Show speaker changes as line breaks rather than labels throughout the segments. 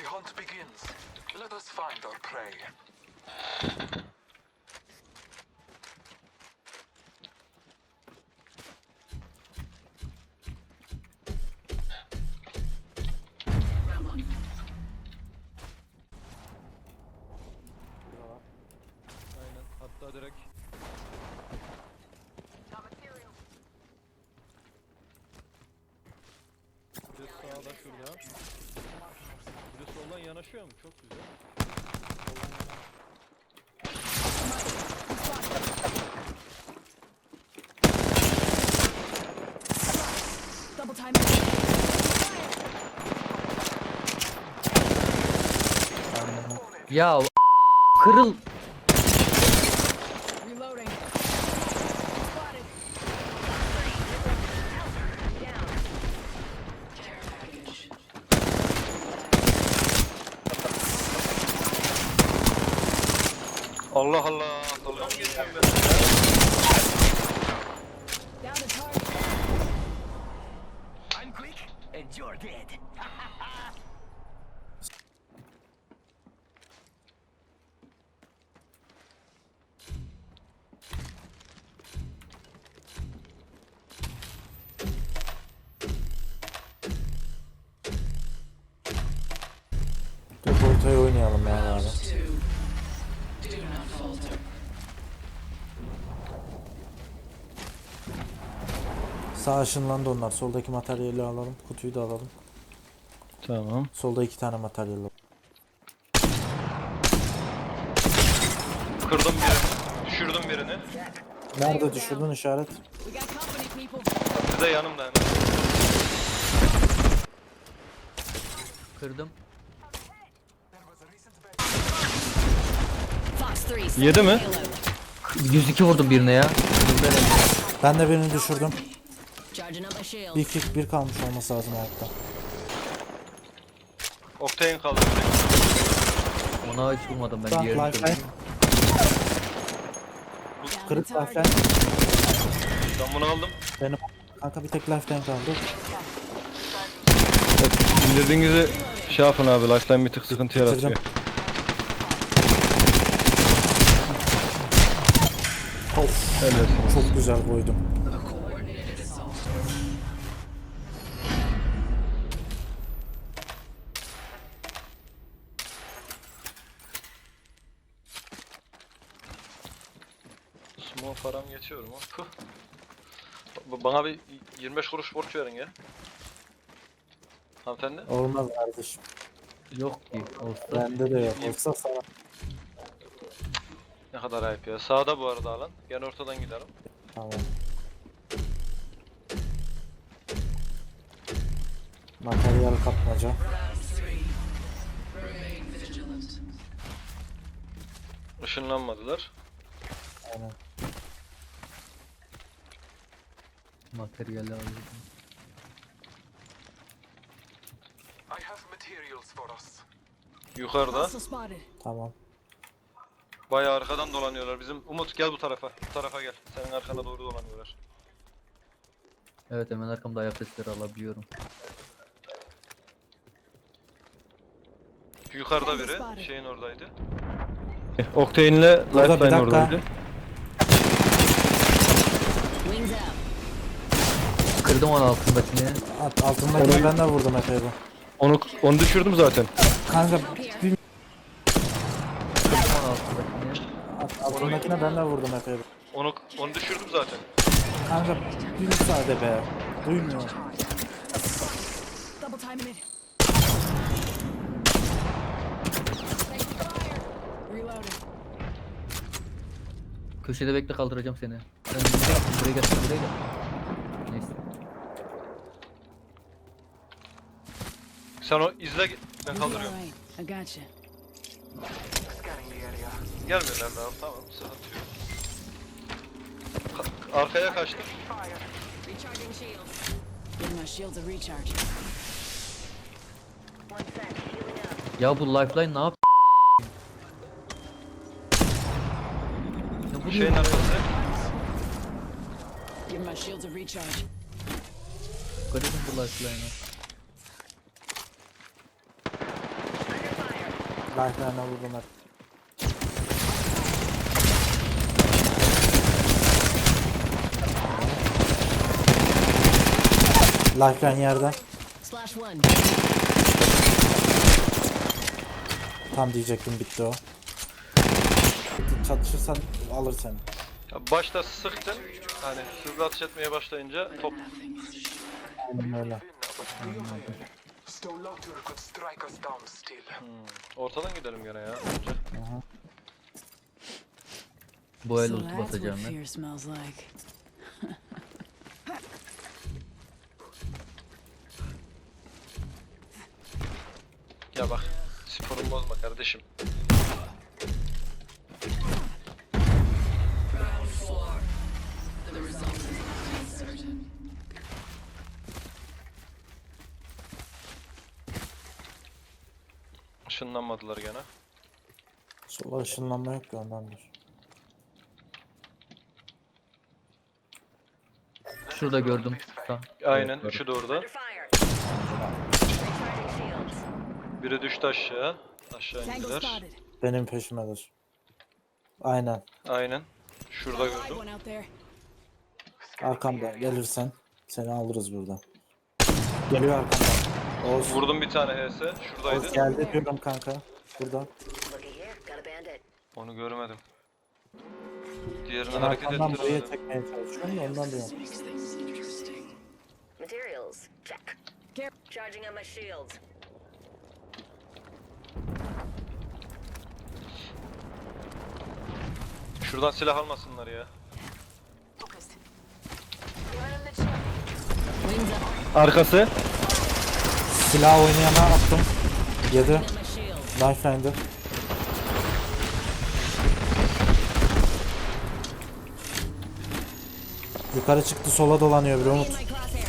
The hunt begins. Let us find our prey.
Aynen. Hatta direkt bir de sağda şurada. Bir de soldan yanaşıyor mu? Çok güzel.
Double time.
Ya kırıl.
Reloading. Spotted.
Allah Allah. Dalga mı geçiyorum ben?
Down to target.
I'm quick and you're dead.
Dur ortaya oynayalım yani abi. Sağ ışınlandı onlar. Soldaki materyali alalım. Kutuyu da alalım.
Tamam.
Solda 2 tane materyal var.
Kırdım birini. Düşürdüm birini.
Nerede düşürdün işaret?
We got company, people.
Bir de yanımda hemen.
Kırdım.
Fox 3.
Yedi mi?
102 vurdum birine ya.
Ben de birini düşürdüm.
Charging up my shield.
Bir kalmış olması lazım hayatta.
Octane kaldı direkt.
Ona hiç vurmadım ben
Tamam,
diğerini
lifeline.
kırdım.
Down to
Kırık
target.
lifeline.
Ben bunu aldım.
Benim kanka bir tek lifeline kaldı.
İndirdiğinizi şey yapın abi. Lifeline bir tık sıkıntı yaratıyor.
Bitirdim. Of,
Evet.
çok güzel koydum.
Small param geçiyor mu? Puh. Bana bir 25 kuruş borç verin ya. Hanımefendi.
Olmaz kardeşim.
Yok ki. Olsa.
Bende de yok. Olsa sana.
Ne kadar ayıp ya. Sağda bu arada alan. Gel ortadan gidelim.
Tamam. Materyal kapmaca.
Işınlanmadılar.
Aynen.
Materyali alıyorum.
I have materials for us.
Yukarıda.
Hostile spotted.
Tamam.
Bayağı arkadan dolanıyorlar. Bizim Umut gel bu tarafa. Bu tarafa gel. Senin arkana doğru dolanıyorlar.
Evet hemen arkamda ayak sesleri alabiliyorum.
Yukarıda biri. Şeyin oradaydı.
Octane ile Lifeline oradaydı.
Wings out.
Kırdım onun altındakini.
Altındakine ben de vurdum epey bu.
Onu düşürdüm zaten.
Kanka bir
Kırdım onun altındakini.
altındakine ben de vurdum epey bu.
Onu düşürdüm zaten.
Kanka bir müsaade be. Duymuyor.
Double timing it. Reloading.
Köşede bekle kaldıracağım seni. Sen buraya gel, buraya gel. Neyse.
Sen o izle ben
You'll be
kaldırıyorum.
alright. I got you.
Scanning the area.
Gelmiyorlar daha. Tamam sıkıntı yok. Arkaya kaçtım.
Recharging shields. Give my shields a recharge.
Ya bu lifeline ne yap? Ya bu
Şeyin arkası.
Give my shields a recharge.
Garibim bu lifeline'ı.
Lifeline'a vurdum hep. Lifeline yerde.
Slash one.
Tam diyecektim, bitti o. Çatışırsan alır seni.
Ya başta sıktın. Hani hızlı atış etmeye başlayınca top.
Aynen öyle.
Stolautur could strike us down still.
Ortadan gidelim gene ya. Önce.
Bu el
So
ulti
that's what
basacağım ben.
fear smells like.
Ya bak. Sporumu bozma kardeşim. Işınlanmadılar gene.
Sola ışınlanma yok ki ondandır.
Şurada gördüm.
Aynen.
Evet,
Üçü de orada.
Under fire. Recharging shields.
Biri düştü aşağı. Aşağı
Tango
indiler.
spotted.
Benim peşimedir. Aynen.
Aynen. Şurada
Live
gördüm.
one out there.
Arkamda gelirsen seni alırız burada. Geliyor arkamdan. Oğuz.
Vurdum bir tane HS.
Oğuz
Şuradaydı.
geldi diyorum kanka. Burada.
Looky here, got a bandit.
Onu görmedim. Diğerini
Ben
hareket
arkamdan buraya
ettiremedim.
çekmeye çalışıyorum da ondan diyorum.
Materials, check. Charging on my shields.
Şuradan silah almasınlar ya.
Wings up.
Arkası.
Silah oynayana attım. 7.
On my shield.
Lifeline'de. Yukarı çıktı, sola dolanıyor bir Umut.
In my crosshair.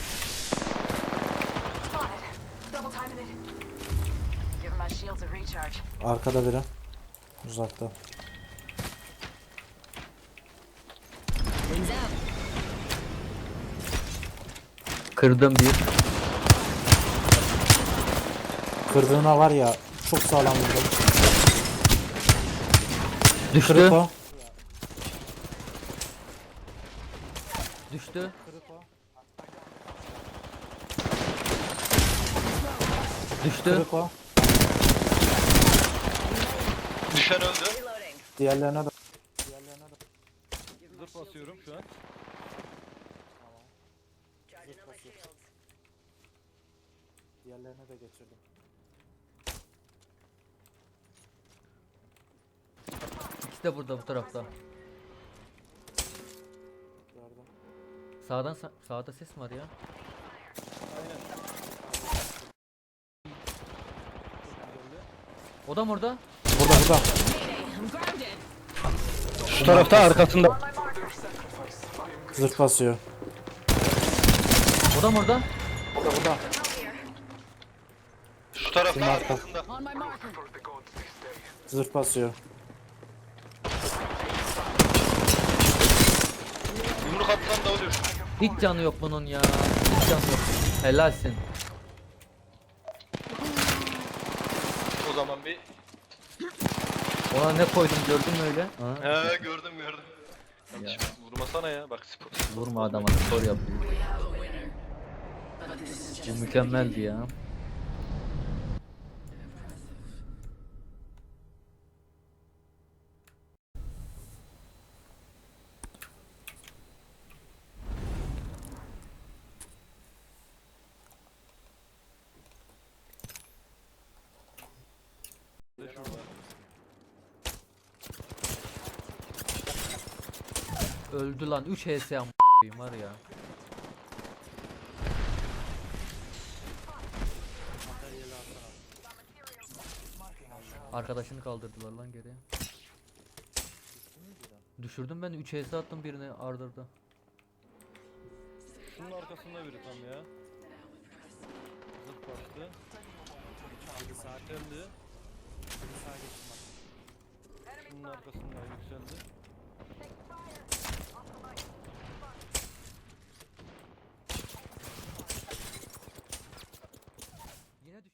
Double timing it. Give my shields a recharge.
Arkada biri. Uzakta.
Wings out.
Kırdım bir.
Kırdığına var ya, çok sağlam vurdum.
Düştü.
Kırık o.
Düştü. Düştü.
Kırık o.
Düşen öldü.
Reloading.
Diğerlerine de.
Zırh basıyorum şu an.
Charging on my shields.
Diğerlerine de geçirdim.
İkisi de burada bu tarafta.
Gördüm.
Sağda ses mi var ya? O da mı orada?
Burada burada.
I'm grounded.
Şu tarafta arkasında.
Zırh basıyor.
O da mı orada?
Burada burada.
Şu tarafta
Şunun arka.
arkasında.
On my marker.
For the gods this day.
Zırh basıyor.
Yumruk atsan da ölür.
Hiç canı yok bunun ya. Hiç canı yok. Helalsin.
O zaman bir...
Ona ne koydum gördün mü öyle? Ha?
He gördüm. Kardeşim vurmasana ya. Bak spor.
Vurma adama spor yapıyor. Bu mükemmeldi ya. Öldü lan 3 HS am***yim var ya. Arkadaşını kaldırdılar lan geriye. Düşürdüm ben 3 HS attım birine ardırda.
Şunun arkasında biri tam ya. Zıp bastı. Yükseldi. Şunun arkasında yükseldi.